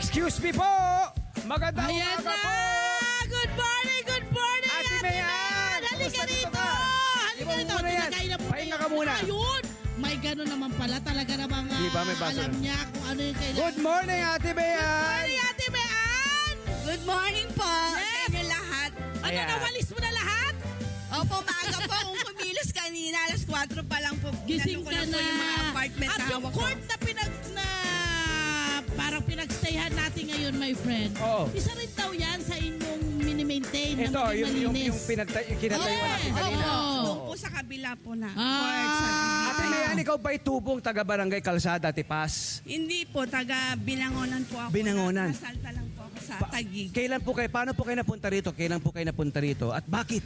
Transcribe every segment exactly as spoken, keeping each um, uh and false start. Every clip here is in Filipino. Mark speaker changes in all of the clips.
Speaker 1: Excuse me po! Magandang
Speaker 2: Ayan
Speaker 1: umaga
Speaker 2: na!
Speaker 1: po!
Speaker 2: Good morning, good morning,
Speaker 1: Ate
Speaker 2: Ate
Speaker 1: Mayan!
Speaker 2: Mayan! Halika
Speaker 1: Kumusta
Speaker 2: dito!
Speaker 1: dito ka?
Speaker 2: Halika
Speaker 1: Ibang
Speaker 2: dito!
Speaker 1: muna yan.
Speaker 2: Tinagay na po
Speaker 1: Pahinga ka muna.
Speaker 2: Ayun! May gano'n naman pala. Talaga namang
Speaker 1: Di ba, may
Speaker 2: ah,
Speaker 1: baso
Speaker 2: alam
Speaker 1: na?
Speaker 2: niya kung ano yung kailangan.
Speaker 1: Good morning, Ate Mayan!
Speaker 2: morning, Ate Mayan!
Speaker 3: Good morning po sa
Speaker 2: Yes.
Speaker 3: inyo lahat.
Speaker 2: Ano,
Speaker 1: Ayan.
Speaker 2: nawalis mo na lahat?
Speaker 3: Opo, maaga po kung kumilos kanina. Alas kwatro pa lang po.
Speaker 2: Gising
Speaker 3: Inano ko
Speaker 2: ka
Speaker 3: na
Speaker 2: na.
Speaker 3: po yung mga apartment
Speaker 2: At
Speaker 3: na
Speaker 2: yung
Speaker 3: hawak ko.
Speaker 2: court na pinag na parang pinagstayhan natin ngayon, my friend.
Speaker 1: Oo.
Speaker 2: Isa rin daw yan sa inyong mini-maintain na
Speaker 1: Ito,
Speaker 2: maging
Speaker 1: yung, yung,
Speaker 2: malinis.
Speaker 1: yung pinagtay, kinatayuan natin
Speaker 2: Yes.
Speaker 1: kanina.
Speaker 2: Oo.
Speaker 3: Doon po sa kabila po na.
Speaker 2: Ah.
Speaker 3: court sa
Speaker 1: Ate Mayan, ikaw ba'y tubong taga-barangay Kalsada, Tipas?
Speaker 3: Hindi po, taga Binangonan po ako.
Speaker 1: Binangonan.
Speaker 3: Nasalta lang po ako sa
Speaker 1: Pa-
Speaker 3: Taguig.
Speaker 1: Kailan po kayo, paano po kayo napunta rito? Kailan po kayo napunta rito? At bakit?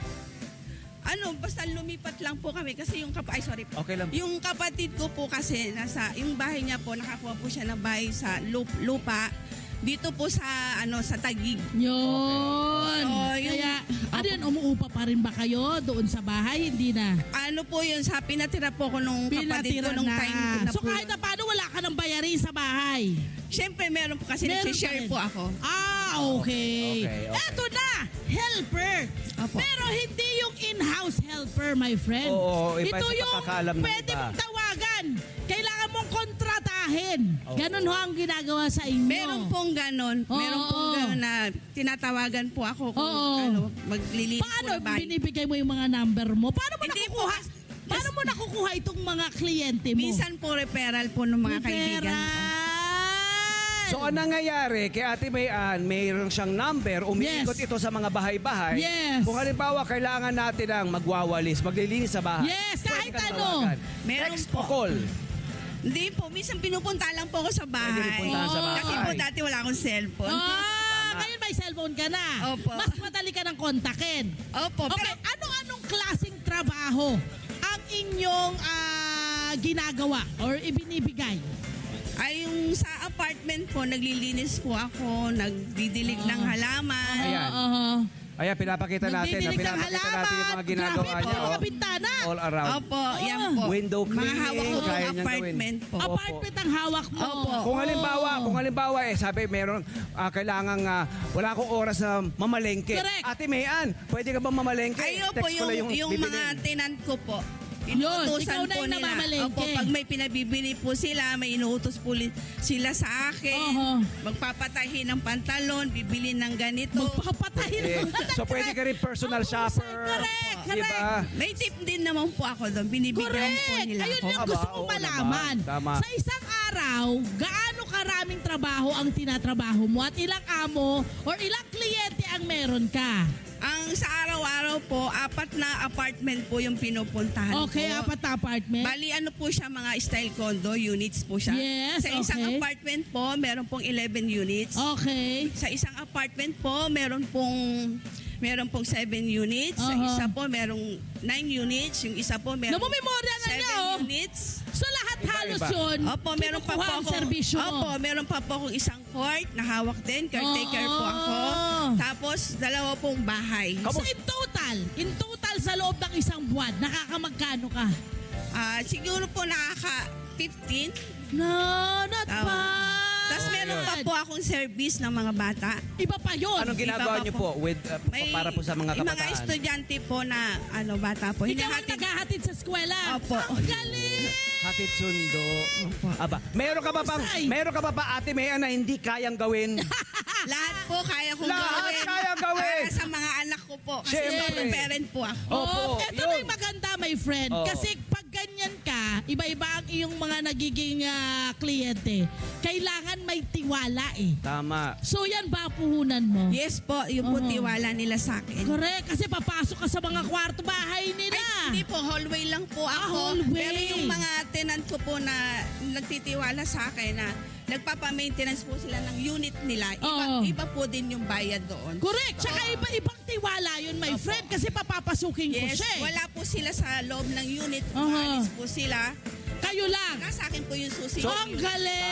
Speaker 3: Ano, basta lumipat lang po kami kasi yung kap ay sorry po.
Speaker 1: Okay lang.
Speaker 3: Yung kapatid ko po kasi nasa yung bahay niya po nakakuha po siya ng bahay sa lup- lupa dito po sa ano sa Taguig.
Speaker 2: Yun.
Speaker 3: So, yung-
Speaker 2: Kaya, ano yun, umuupa pa rin ba kayo doon sa bahay? Hindi na.
Speaker 3: Ano po yun sa pinatira po ko nung kapatid ko
Speaker 2: Pinatira
Speaker 3: nung
Speaker 2: na.
Speaker 3: time ko na
Speaker 2: So
Speaker 3: po
Speaker 2: kahit
Speaker 3: yun.
Speaker 2: na paano, wala ka ng bayarin sa bahay.
Speaker 3: Siyempre meron po kasi
Speaker 2: Meron
Speaker 3: nag-share
Speaker 2: pa rin.
Speaker 3: po ako.
Speaker 2: Ah, okay.
Speaker 1: Okay, okay.
Speaker 2: Eto na, helper.
Speaker 3: Opo.
Speaker 2: Pero hindi yung in-house helper, my friend.
Speaker 1: Oo, iba
Speaker 2: Ito
Speaker 1: sa
Speaker 2: yung
Speaker 1: pagkakaalam ng
Speaker 2: pwede
Speaker 1: iba.
Speaker 2: mong tawagan. Kailangan mong kontratahin.
Speaker 1: Oo.
Speaker 2: Ganun ho ang ginagawa sa inyo.
Speaker 3: Meron pong ganon.
Speaker 2: Oo,
Speaker 3: meron pong
Speaker 2: oo.
Speaker 3: ganon na tinatawagan po ako kung
Speaker 2: Oo.
Speaker 3: ano, maglilinis
Speaker 2: Paano
Speaker 3: po na bahay.
Speaker 2: binibigay mo yung mga number mo? Paano mo
Speaker 3: Hindi
Speaker 2: nakukuha?
Speaker 3: po.
Speaker 2: Paano mo nakukuha itong mga kliyente mo?
Speaker 3: Minsan po referral po ng mga kaibigan ko.
Speaker 2: Referral.
Speaker 1: So, ang nangyayari kay Ate Mayan, mayroon siyang number, umiikot
Speaker 2: Yes.
Speaker 1: ito sa mga bahay-bahay.
Speaker 2: Yes.
Speaker 1: Kung halimbawa, kailangan natin ng magwawalis, maglilinis sa bahay.
Speaker 2: Yes,
Speaker 1: pwede
Speaker 2: kahit
Speaker 1: kang
Speaker 2: ano.
Speaker 1: tawagan.
Speaker 3: Meron
Speaker 1: Text
Speaker 3: po.
Speaker 1: o call.
Speaker 3: Hindi po, minsan pinupunta lang po ako sa bahay.
Speaker 1: Pwede rin puntahan sa bahay.
Speaker 3: Kasi po dati wala akong cellphone.
Speaker 2: Ah, ngayon may cellphone ka na.
Speaker 3: Opo.
Speaker 2: Mas madali ka ng kontakin.
Speaker 3: Opo,
Speaker 2: Okay,
Speaker 3: pero
Speaker 2: ano-anong klaseng trabaho ang inyong ah, ginagawa or ibinibigay?
Speaker 3: ay yung sa apartment po, naglilinis po ako, nagdidilig ng halaman.
Speaker 1: Ayan.
Speaker 2: Oo.
Speaker 1: Ayan, pinapakita natin. na
Speaker 2: Nagdidilig ng
Speaker 1: Pinapakita natin yung mga ginagawa
Speaker 2: Grabe
Speaker 1: niya.
Speaker 2: po, mga
Speaker 1: oh.
Speaker 2: bintana.
Speaker 1: All around.
Speaker 3: Opo, yan po.
Speaker 1: Window
Speaker 3: Mga
Speaker 1: cleaning,
Speaker 3: hawak ko
Speaker 1: kaya niyang
Speaker 3: apartment
Speaker 1: gawin.
Speaker 3: po.
Speaker 1: Opo.
Speaker 2: Apartment ang hawak mo.
Speaker 3: Opo.
Speaker 1: Kung halimbawa,
Speaker 2: Oo.
Speaker 1: kung halimbawa eh, sabi meron, ah, kailangan ah, wala akong oras na mamalengke.
Speaker 2: Correct.
Speaker 1: Ate Mayan, pwede ka bang mamalengke?
Speaker 3: Ayun po,
Speaker 1: Text ko
Speaker 3: yung,
Speaker 1: lang
Speaker 3: yung,
Speaker 1: bibilin.
Speaker 3: mga tenant ko po.
Speaker 2: Yun, ikaw
Speaker 3: Inuutosan
Speaker 2: na
Speaker 3: po
Speaker 2: yung
Speaker 3: nila.
Speaker 2: namamalengke.
Speaker 3: Opo, pag may pinabibili po sila, may inuutos po li- sila sa akin.
Speaker 2: Oho.
Speaker 3: Magpapatahin ng pantalon, bibili ng ganito.
Speaker 2: Magpapatahin.
Speaker 1: Eh, so pwede ka rin personal
Speaker 2: Ang
Speaker 1: shopper.
Speaker 2: correct,
Speaker 1: Di ba?
Speaker 3: May tip din naman po ako doon. Binibigyan po
Speaker 2: Correct!
Speaker 3: nila
Speaker 2: Ayun
Speaker 3: ako.
Speaker 2: yung
Speaker 1: Aba,
Speaker 2: gusto kong
Speaker 1: oo
Speaker 2: malaman.
Speaker 1: naman. Tama.
Speaker 2: Sa isang araw, gaano karaming trabaho ang tinatrabaho mo at ilang amo or ilang kliyente ang meron ka?
Speaker 3: Ang sa araw-araw po, apat na apartment po yung pinupuntahan
Speaker 2: Okay,
Speaker 3: ko.
Speaker 2: apat na apartment.
Speaker 3: Bali, ano po siya, mga style condo units po siya.
Speaker 2: Yes,
Speaker 3: sa isang
Speaker 2: okay.
Speaker 3: apartment po, meron pong eleven units.
Speaker 2: Okay.
Speaker 3: Sa isang apartment po, meron pong meron pong seven units. Sa
Speaker 2: Aha.
Speaker 3: isa po, merong nine units. Yung isa po, meron
Speaker 2: Namumemorya na niya,
Speaker 3: seven
Speaker 2: oh.
Speaker 3: units.
Speaker 2: So lahat
Speaker 1: Iba,
Speaker 2: halos
Speaker 1: iba.
Speaker 2: yun,
Speaker 3: Opo, meron pa po
Speaker 2: kinukuha ang
Speaker 3: ako.
Speaker 2: serbisyo mo.
Speaker 3: Opo, meron pa po akong isang court na hawak din. Caretaker
Speaker 2: Oo.
Speaker 3: po ako. Tapos, dalawa pong bahay.
Speaker 2: So in total, in total sa loob ng isang buwan, nakakamagkano ka?
Speaker 3: Ah, siguro po nakaka fifteen.
Speaker 2: No, not
Speaker 3: Tama.
Speaker 2: bad.
Speaker 3: Tapos meron pa po akong service ng mga bata.
Speaker 2: Iba pa yun.
Speaker 1: Anong ginagawa
Speaker 3: Iba pa
Speaker 1: niyo
Speaker 3: po.
Speaker 1: po with, uh,
Speaker 3: May
Speaker 1: para po sa mga
Speaker 3: yung mga
Speaker 1: kabataan?
Speaker 3: estudyante po na ano bata po.
Speaker 2: Ikaw ang
Speaker 3: Hinahatid.
Speaker 2: naghahatid sa eskwela.
Speaker 3: Opo.
Speaker 2: Ang galing!
Speaker 1: Hatid sundo. Aba, meron ka ba bang,
Speaker 2: Husay.
Speaker 1: meron ka ba ba Ate Mayan na hindi kayang gawin?
Speaker 3: Lahat po kaya kong
Speaker 1: Lahat
Speaker 3: gawin.
Speaker 1: kaya gawin.
Speaker 3: Para sa mga anak ko po. Kasi
Speaker 1: Siyempre.
Speaker 3: solo parent po ako.
Speaker 1: Opo,
Speaker 2: Oo, eto
Speaker 1: yun.
Speaker 2: na yung maganda, my friend.
Speaker 1: Oo.
Speaker 2: Kasi pag ganyan ka, iba-iba ang iyong mga nagiging ah, kliyente. Kailangan may tiwala eh.
Speaker 1: Tama.
Speaker 2: So yan ba puhunan mo?
Speaker 3: Yes po, yung po
Speaker 2: Oo.
Speaker 3: tiwala nila sa akin.
Speaker 2: Correct. Kasi papasok ka sa mga kwarto bahay nila.
Speaker 3: Ay, hindi po, hallway lang po
Speaker 2: Ah,
Speaker 3: ako.
Speaker 2: hallway.
Speaker 3: Pero yung mga tenant ko po na nagtitiwala sa akin na nagpapa-maintenance po sila ng unit nila, iba,
Speaker 2: Oo.
Speaker 3: iba po din yung bayad doon.
Speaker 2: Correct. Tsaka iba-ibang tiwala yun, my
Speaker 3: Opo.
Speaker 2: friend. Kasi papapasukin ko
Speaker 3: Yes,
Speaker 2: siya eh.
Speaker 3: wala po sila sa loob ng unit.
Speaker 2: Aha.
Speaker 3: Maalis po sila.
Speaker 2: Kayo lang.
Speaker 3: Nasa akin po yung susi.
Speaker 2: So, ang galing!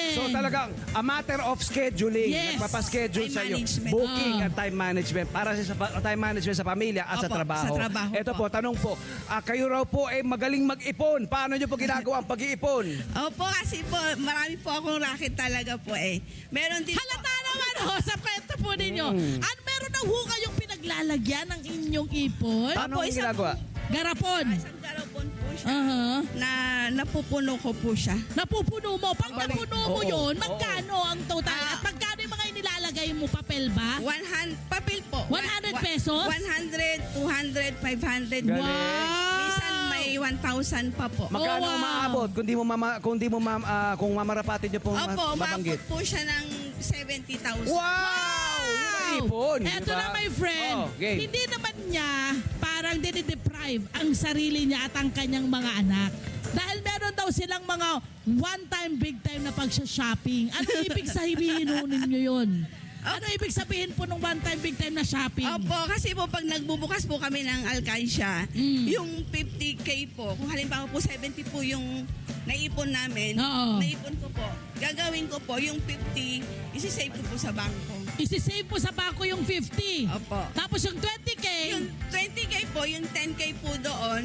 Speaker 1: So talagang a matter of scheduling.
Speaker 2: Yes.
Speaker 1: Nagpapaschedule
Speaker 3: Time
Speaker 1: sa iyo.
Speaker 3: management.
Speaker 1: Booking
Speaker 2: Ah.
Speaker 1: at time management para sa sa- time management sa pamilya at sa
Speaker 3: Opo,
Speaker 1: trabaho.
Speaker 3: sa trabaho
Speaker 1: Ito po,
Speaker 3: po.
Speaker 1: tanong po, ah, kayo raw po ay magaling mag-ipon. Paano niyo po ginagawa ang pag-iipon?
Speaker 3: Opo, kasi po, marami po akong racket talaga po eh. Meron din
Speaker 2: Halata naman ho sa kwento po ninyo.
Speaker 1: Mm.
Speaker 2: Ano meron na ho kayong pinaglalagyan ng inyong ipon?
Speaker 1: Paano
Speaker 3: Opo,
Speaker 1: ang
Speaker 3: isa
Speaker 1: ginagawa?
Speaker 2: Garapon.
Speaker 3: isang garapon po siya
Speaker 2: Aha.
Speaker 3: na napupuno ko po siya.
Speaker 2: Napupuno mo. Pag
Speaker 1: Ang balik-
Speaker 2: napuno mo
Speaker 1: Oo,
Speaker 2: yun,
Speaker 1: oo.
Speaker 2: magkano ang total?
Speaker 3: Ah.
Speaker 2: At magkano yung mga inilalagay mo? Papel ba?
Speaker 3: one hundred, papel po.
Speaker 2: one hundred pesos?
Speaker 3: one hundred, two hundred, five hundred.
Speaker 1: Galing.
Speaker 2: Wow!
Speaker 3: Minsan may one thousand pa po.
Speaker 1: Magkano
Speaker 2: Oh, wow.
Speaker 1: umaabot kung di mo mama, kung di mo mam, ah, kung mamarapatin niyo pong
Speaker 3: Opo,
Speaker 1: ma- mabanggit?
Speaker 3: umabot po siya ng seventy thousand.
Speaker 1: Wow! Yun ang ipon, di
Speaker 2: Eto
Speaker 1: ba?
Speaker 2: na, my friend.
Speaker 1: Oh, okay.
Speaker 2: Hindi naman niya parang dinideprive ang sarili niya at ang kanyang mga anak. Dahil meron daw silang mga one-time, big-time na pagsha-shopping. Ano ibig sabihin ho ninyo yun? Ano ibig sabihin po ng one-time, big-time na shopping?
Speaker 3: Opo, kasi po pag nagbubukas po kami ng Alcansya,
Speaker 2: Mm.
Speaker 3: yung fifty K po, kung halimbawa po seventy po yung naipon namin,
Speaker 2: Oo.
Speaker 3: naipon ko po, gagawin ko po yung fifty, isi-save ko po sa bangko.
Speaker 2: Isisave po sa bako yung fifty.
Speaker 3: Opo.
Speaker 2: Tapos yung twenty K,
Speaker 3: Yung twenty K po, yung ten K po doon,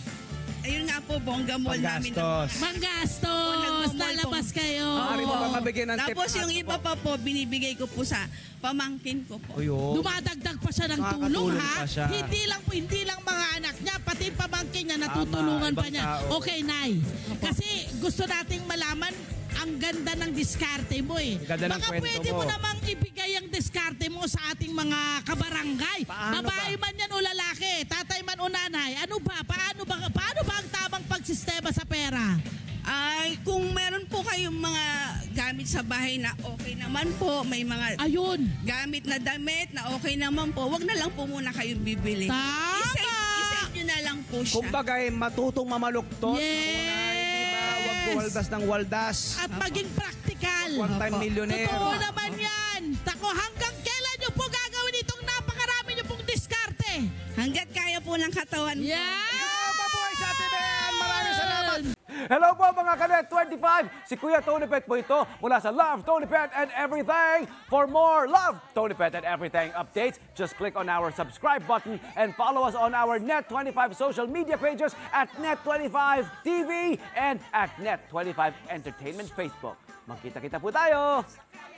Speaker 3: ayun nga po, bongga mall namin.
Speaker 1: Panggastos.
Speaker 2: manggastos,
Speaker 3: nagmamall
Speaker 2: lalabas
Speaker 3: po.
Speaker 2: kayo.
Speaker 1: Maaari mo ba mabigyan ng tip?
Speaker 3: Tapos yung iba pa po, binibigay ko po sa pamangkin ko po.
Speaker 1: Uyo.
Speaker 2: Dumadagdag pa siya ng tulong,
Speaker 1: Nakakatulong
Speaker 2: ha?
Speaker 1: pa siya.
Speaker 2: Hindi lang hindi lang mga anak niya, pati pamangkin niya natutulungan
Speaker 1: Tama,
Speaker 2: pa
Speaker 1: ibang
Speaker 2: niya.
Speaker 1: tao.
Speaker 2: Okay, Nay. Kasi gusto nating malaman ang ganda ng diskarte mo eh.
Speaker 1: Ang ganda ng
Speaker 2: Baka
Speaker 1: kwento
Speaker 2: pwede mo.
Speaker 1: mo.
Speaker 2: namang ibigay ang diskarte mo sa ating mga kabarangay.
Speaker 1: Paano
Speaker 2: Babae
Speaker 1: ba?
Speaker 2: man yan o lalaki, tatay man o nanay. Ano ba? Paano ba, paano ba ang tamang pagsistema sa pera?
Speaker 3: Ay, kung meron po kayong mga gamit sa bahay na okay naman po, may mga
Speaker 2: Ayun.
Speaker 3: gamit na damit na okay naman po, wag na lang po muna kayong bibili.
Speaker 2: Tama!
Speaker 3: I-save, i-save nyo na lang po siya.
Speaker 1: Kumbaga, eh, matutong mamaluktot.
Speaker 2: Yes!
Speaker 1: Di ba? Huwag waldas ng waldas.
Speaker 2: At maging practical.
Speaker 1: One-time
Speaker 3: Opo.
Speaker 1: millionaire.
Speaker 2: Totoo naman yan. Tako, hanggang kailan nyo po gagawin itong napakarami nyo pong diskarte?
Speaker 3: Hanggat kaya po ng katawan ko.
Speaker 2: Yan!
Speaker 1: Mabuhay sa atin, Ben! Maraming salamat!
Speaker 4: Hello po mga Kanet twenty-five! Si Kuya Tony Pet po ito mula sa Love, Tony Pet and Everything. For more Love, Tony Pet and Everything updates, just click on our subscribe button and follow us on our Net twenty-five social media pages at Net twenty-five T V and at Net twenty-five Entertainment Facebook. Magkita-kita po tayo!